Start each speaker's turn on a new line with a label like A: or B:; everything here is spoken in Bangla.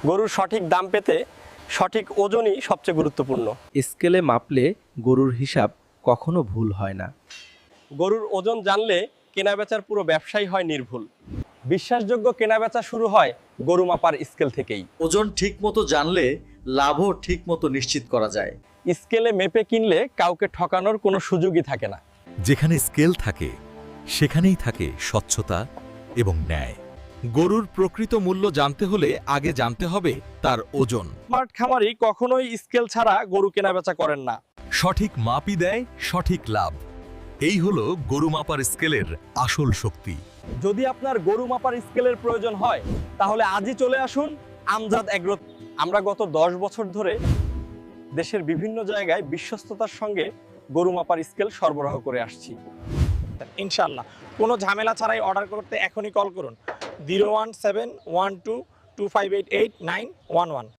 A: গরুর সঠিক দাম পেতে সঠিক ওজনই সবচেয়ে গুরুত্বপূর্ণ।
B: স্কেলে মাপলে গরুর হিসাব কখনো ভুল হয় না।
A: গরুর ওজন জানলে কেনাবেচার পুরো ব্যবসাই হয় নির্ভুল। বিশ্বাসযোগ্য কেনাবেচা শুরু হয় গরু মাপার স্কেল থেকেই।
C: ওজন ঠিকমতো জানলে লাভও ঠিকমতো নিশ্চিত করা যায়।
A: স্কেলে মেপে কিনলে কাউকে ঠকানোর কোনো সুযোগই থাকে না।
D: যেখানে স্কেল থাকে সেখানেই থাকে স্বচ্ছতা এবং ন্যায়। গরুর প্রকৃত মূল্য জানতে হলে আগে জানতে হবে তার ওজন।
A: স্মার্ট খামারি কখনোই স্কেল ছাড়া গরু কেনাবেচা করেন না।
D: সঠিক মাপই দেয় সঠিক লাভ। এই হলো গরু মাপার স্কেলের আসল শক্তি।
A: যদি আপনার গরু মাপার স্কেলের প্রয়োজন হয় তাহলে আজই চলে আসুন আমজাদ এগ্রো। আমরা গত 10 বছর ধরে দেশের বিভিন্ন জায়গায় বিশ্বস্ততার সঙ্গে গরু মাপার স্কেল সরবরাহ করে আসছি।
E: ইনশাআল্লাহ কোনো ঝামেলা ছাড়াই অর্ডার করতে এখনই কল করুন 0171225888911।